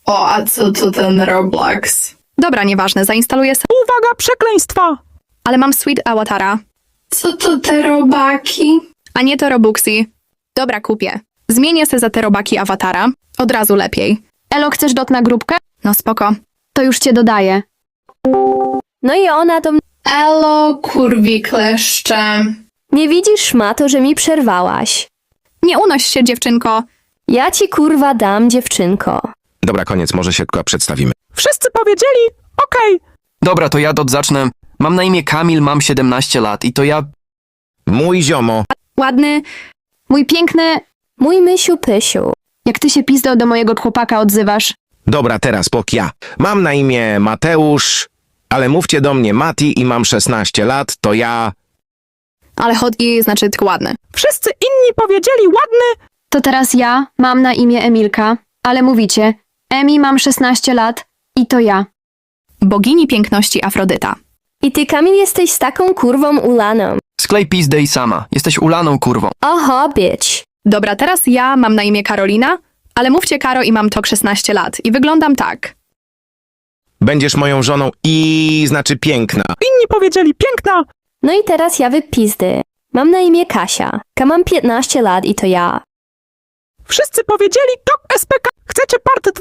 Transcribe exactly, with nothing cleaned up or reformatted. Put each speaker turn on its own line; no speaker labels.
O, a co to ten Roblox?
Dobra, nieważne, zainstaluję se...
Uwaga, przekleństwa!
Ale mam Sweet Awatara.
Co to te robaki?
A nie to Robuxy. Dobra, kupię. Zmienię se za te robaki awatara. Od razu lepiej.
Elo, chcesz dot na grupkę?
No spoko.
To już cię dodaję.
No i ona do mnie.
Elo, kurwi kleszcze.
Nie widzisz, szmato, że mi przerwałaś.
Nie unoś się, dziewczynko.
Ja ci kurwa dam, dziewczynko.
Dobra, koniec, może się tylko przedstawimy.
Wszyscy powiedzieli? Okej.
Dobra, to ja dot zacznę. Mam na imię Kamil, mam siedemnaście lat i to ja...
Mój ziomo.
Ładny.
Mój piękny,
Mój mysiu pysiu.
jak ty się pizdo do mojego chłopaka odzywasz.
Dobra, teraz pok ja. Mam na imię Mateusz, ale mówcie do mnie Mati i mam szesnaście lat, to ja...
Ale hot i znaczy tylko ładny.
Wszyscy inni powiedzieli ładny.
To teraz ja mam na imię Emilka, ale mówicie, Emi, mam szesnaście lat i to ja.
Bogini piękności Afrodyta.
I ty, Kamil, jesteś z taką kurwą ulaną.
Sklej pizdę i sama. Jesteś ulaną kurwą.
Oho, bitch.
Dobra, teraz ja mam na imię Karolina, ale mówcie Karo i mam tok szesnaście lat. I wyglądam tak.
Będziesz moją żoną i... znaczy piękna.
Inni powiedzieli piękna.
No i teraz ja wypizdy. Mam na imię Kasia. Ka mam piętnaście lat i to ja.
Wszyscy powiedzieli tok S P K. Chcecie part dwa?